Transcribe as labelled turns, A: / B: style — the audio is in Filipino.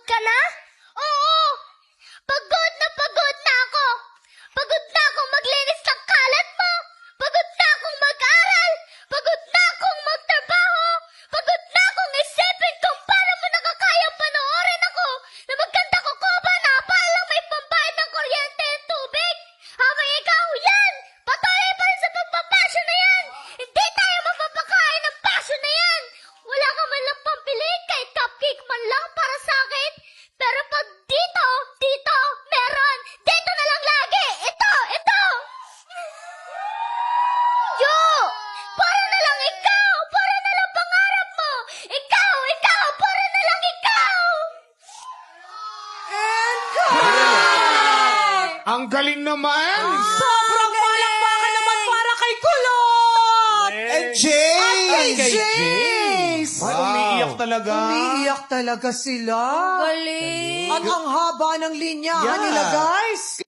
A: ka na? Oo! Pagod na ako! Pagod na akong maglinis ng kalat mo! Pagod na akong mag-aral! Pagod na akong magtrabaho! Pagod na akong isipin kung paano mo nakakayang panoorin ako na magkanta ko ba na palang may pambayad ng kuryente at tubig? Habang ikaw yan! Patuloy pa rin sa pagpapasyon na yan! Hindi tayo mapapakain ng passion na yan! Wala ka man lang pambili kahit cupcake man lang para sa akin. Pero pag dito, meron. Dito na lang lagi. Ito. Yo! Para na lang ikaw. Para na lang pangarap mo. Ikaw. Para na lang ikaw.
B: Ang galing naman!
C: Sobrang palakpakan naman para kay Kulot!
B: And
C: Kay
B: Jace!
C: Jace!
B: Ay, umiiyak talaga.
C: Umiiyak talaga sila.
A: Galing.
C: At ang haba ng linya nila, guys.